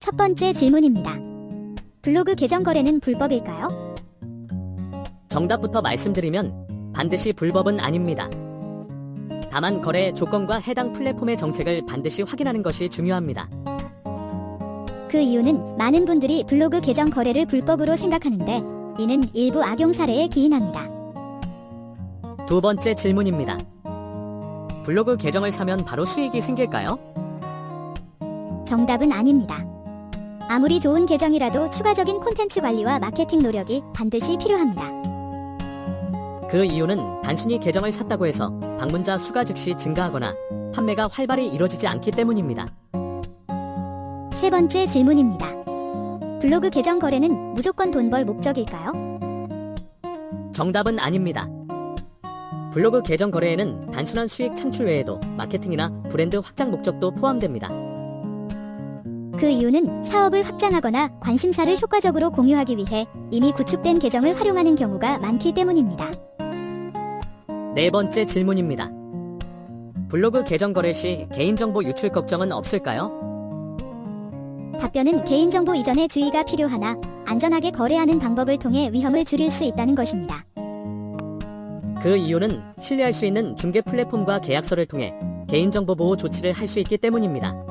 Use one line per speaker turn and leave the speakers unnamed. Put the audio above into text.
첫 번째 질문입니다. 블로그 계정 거래는 불법일까요?
정답부터 말씀드리면 반드시 불법은 아닙니다. 다만 거래 조건과 해당 플랫폼의 정책을 반드시 확인하는 것이 중요합니다.
그 이유는 많은 분들이 블로그 계정 거래를 불법으로 생각하는데 이는 일부 악용 사례에 기인합니다.
두 번째 질문입니다. 블로그 계정을 사면 바로 수익이 생길까요?
정답은 아닙니다. 아무리 좋은 계정이라도 추가적인 콘텐츠 관리와 마케팅 노력이 반드시 필요합니다.
그 이유는 단순히 계정을 샀다고 해서 방문자 수가 즉시 증가하거나 판매가 활발히 이루어지지 않기 때문입니다.
세 번째 질문입니다. 블로그 계정 거래는 무조건 돈 벌 목적일까요?
정답은 아닙니다. 블로그 계정 거래에는 단순한 수익 창출 외에도 마케팅이나 브랜드 확장 목적도 포함됩니다.
그 이유는 사업을 확장하거나 관심사를 효과적으로 공유하기 위해 이미 구축된 계정을 활용하는 경우가 많기 때문입니다.
네 번째 질문입니다. 블로그 계정 거래 시 개인정보 유출 걱정은 없을까요?
답변은 개인정보 이전에 주의가 필요하나 안전하게 거래하는 방법을 통해 위험을 줄일 수 있다는 것입니다.
그 이유는 신뢰할 수 있는 중개 플랫폼과 계약서를 통해 개인정보 보호 조치를 할 수 있기 때문입니다.